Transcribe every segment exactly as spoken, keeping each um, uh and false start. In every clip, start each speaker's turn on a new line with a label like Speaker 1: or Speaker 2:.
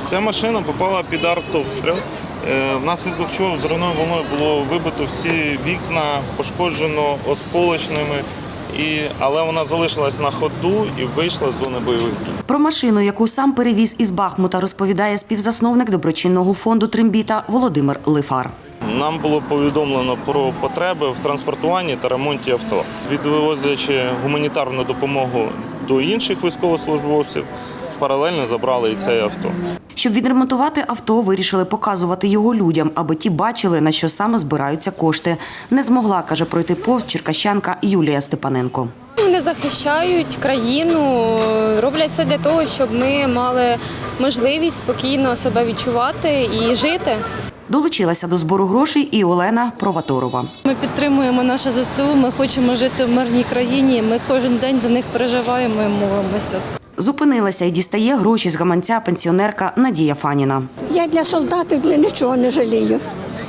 Speaker 1: Ця машина попала під артобстріл, внаслідок чого взривною волною було вибито всі вікна, пошкоджено осколочними. І, але вона залишилась на ходу і вийшла з зони бойових дій.
Speaker 2: Про машину, яку сам перевіз із Бахмута, розповідає співзасновник доброчинного фонду «Трембіта» Володимир Лифар.
Speaker 1: Нам було повідомлено про потреби в транспортуванні та ремонті авто. Відвозячи гуманітарну допомогу до інших військовослужбовців, паралельно забрали і це авто.
Speaker 2: Щоб відремонтувати авто, вирішили показувати його людям, аби ті бачили, на що саме збираються кошти. Не змогла, каже, пройти повз черкащанка Юлія Степаненко.
Speaker 3: Вони захищають країну, роблять це для того, щоб ми мали можливість спокійно себе відчувати і жити.
Speaker 2: Долучилася до збору грошей і Олена Проваторова.
Speaker 4: Ми підтримуємо наше ЗСУ, ми хочемо жити в мирній країні, ми кожен день за них переживаємо і молимося.
Speaker 2: Зупинилася і дістає гроші з гаманця пенсіонерка Надія Фаніна.
Speaker 5: Я для солдатів нічого не жалію.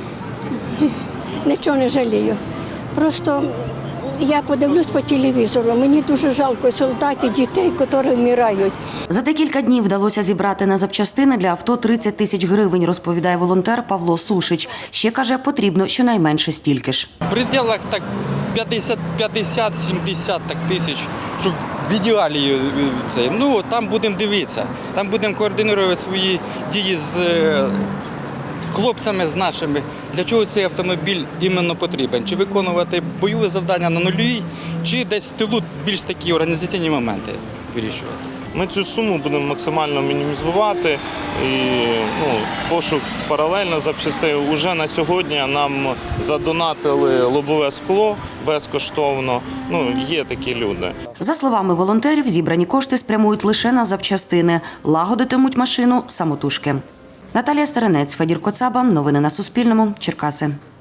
Speaker 5: Нічого не жалію. Просто я подивлюсь по телевізору, мені дуже жалко солдатів, дітей, які вмирають.
Speaker 2: За декілька днів вдалося зібрати на запчастини для авто тридцять тисяч гривень, розповідає волонтер Павло Сушич. Ще, каже, потрібно щонайменше стільки ж.
Speaker 6: В пределах так п'ятдесят-сімдесят так тисяч, щоб в ідеалі це. Ну, там будемо дивитися, там будемо координувати свої дії з хлопцями, з нашими. Для чого цей автомобіль іменно потрібен? Чи виконувати бойове завдання на нулі, чи десь в тилу більш такі організаційні моменти вирішувати.
Speaker 1: Ми цю суму будемо максимально мінімізувати і ну, пошук паралельно запчастин. Уже на сьогодні нам задонатили лобове скло безкоштовно. Ну, є такі люди.
Speaker 2: За словами волонтерів, зібрані кошти спрямують лише на запчастини. Лагодитимуть машину самотужки. Наталія Стеренець, Федір Коцаба. Новини на Суспільному. Черкаси.